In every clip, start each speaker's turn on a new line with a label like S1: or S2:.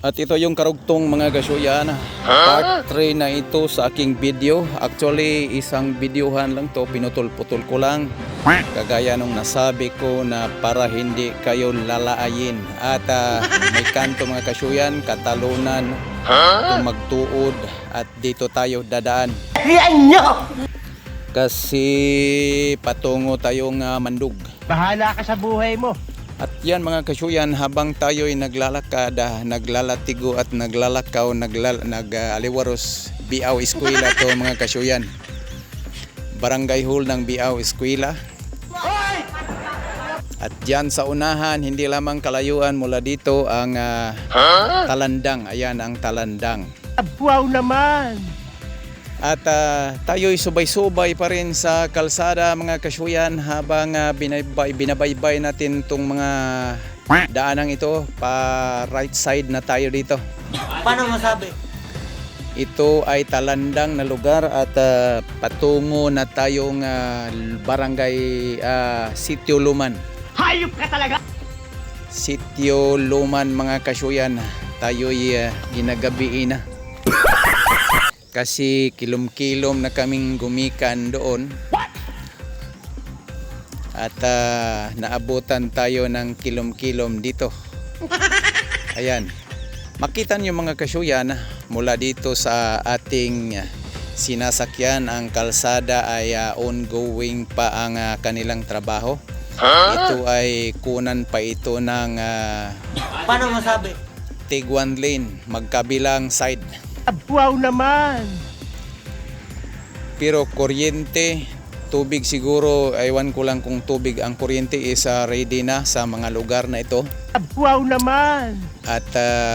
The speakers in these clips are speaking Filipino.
S1: At ito yung karugtong mga kasuyan. Part 3 na ito sa aking video. Actually, isang videohan lang to. Pinutol-putol ko lang. Kagaya nung nasabi ko na para hindi kayo lalaayin. At may kanto mga kasuyan, katalunan, magtuod. At dito tayo dadaan. Kasi patungo tayong mandug.
S2: Bahala ka sa buhay mo.
S1: At yan mga kasuyan, habang tayo'y naglalakad, naglalatigo at naglalakaw, nag-aliwaros, Biaw Eskwela to mga kasuyan. Barangay Hall ng Biaw Eskwela. At dyan sa unahan, hindi lamang kalayuan mula dito ang Talandang. Ayan ang Talandang.
S2: Wow naman!
S1: At tayo'y subay-subay pa rin sa kalsada mga kasuyan habang binabaybay natin itong mga daanang ito. Pa right side na tayo dito.
S2: Paano masabi?
S1: Ito ay Talandang na lugar at patungo na tayong barangay Sitio Luman.
S2: Hayop ka talaga!
S1: Sitio Luman mga kasuyan. Tayo'y ginagabi na. Kasi kilom-kilom na kaming gumikan doon. At naabutan tayo ng kilom-kilom dito. Ayan. Makita niyo mga kasuyan, mula dito sa ating sinasakyan, ang kalsada ay ongoing pa ang kanilang trabaho. Ito ay kunan pa ito ng
S2: Paano masabi?
S1: Tig 1 lane, magkabilang side.
S2: Wow naman!
S1: Pero kuryente, tubig siguro, ewan ko lang kung tubig ang kuryente is ready na sa mga lugar na ito.
S2: Wow naman!
S1: At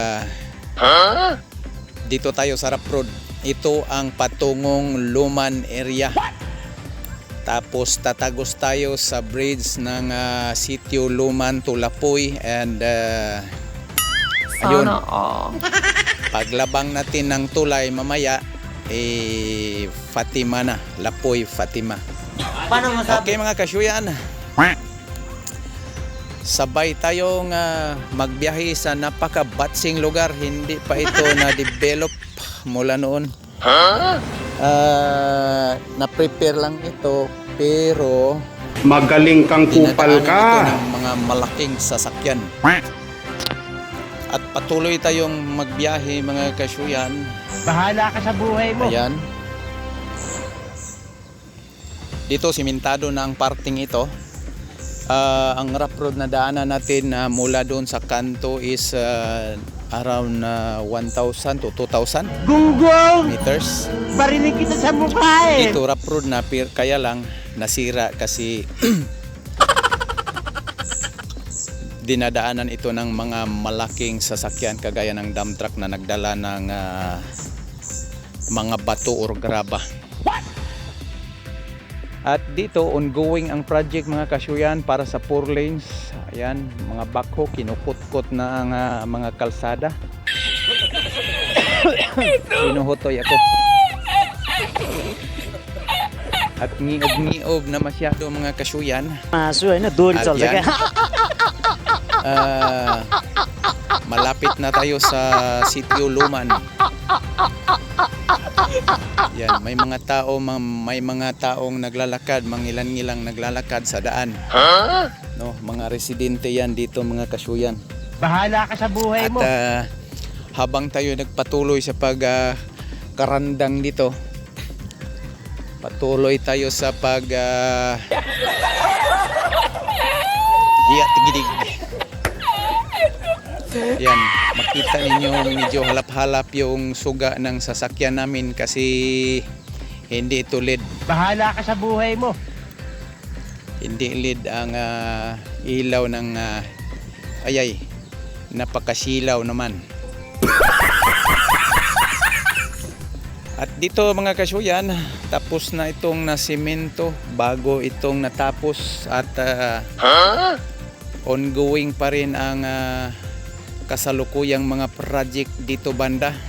S1: dito tayo sa Rap Road. Ito ang patungong Luman area. Tapos tatagos tayo sa bridge ng Sitio Luman to Lapoy and ayun. Paglabang natin ng tulay mamaya, Fatima na. Lapoy, Fatima.
S2: Paano masabi?
S1: Okay mga kasuyan. Sabay tayong magbiyahe sa napaka-batsing lugar. Hindi pa ito na-develop mula noon. Na-prepare lang ito, pero
S3: magaling kang kupal
S1: dinadaanan
S3: ka.
S1: ito ng mga malaking sasakyan. At patuloy tayong magbiyahe mga kasuyan.
S2: Bahala ka sa buhay mo.
S1: Ayan. Dito simentado na ang parting ito. Ang rough road na daanan natin mula doon sa kanto is around 1,000 to 2,000
S2: Gunggong!
S1: meters.
S2: Barinig kita sa mukha eh!
S1: Dito rough road na, kaya lang nasira kasi dinadaanan ito ng mga malaking sasakyan kagaya ng dump truck na nagdala ng mga bato or graba. At dito ongoing ang project mga kasuyan para sa 4 lanes. Ayan, mga backhoe kinukot-kot na ang mga kalsada. Pinuhutoy ako. At ngiob-ngiob na masyado mga kasuyan.
S2: Maso ay na doon
S1: At yan, malapit na tayo sa Sitio Luman. Yan, may mga taong naglalakad, mangilan-ngilang naglalakad sa daan. No, mga residente yan dito mga kasuyan.
S2: Bahala ka sa buhay
S1: At
S2: mo.
S1: habang tayo nagpatuloy sa karandang dito, patuloy tayo sa tigidig. Yan, makita ninyo medyo halap-halap yung suga ng sasakyan namin kasi hindi ito LED.
S2: Bahala ka sa buhay mo.
S1: Hindi LED ang ilaw ng napakasilaw naman. At dito mga kasuyan, tapos na itong nasimento bago itong natapos at ongoing pa rin ang kasalukuyang mga project dito banda.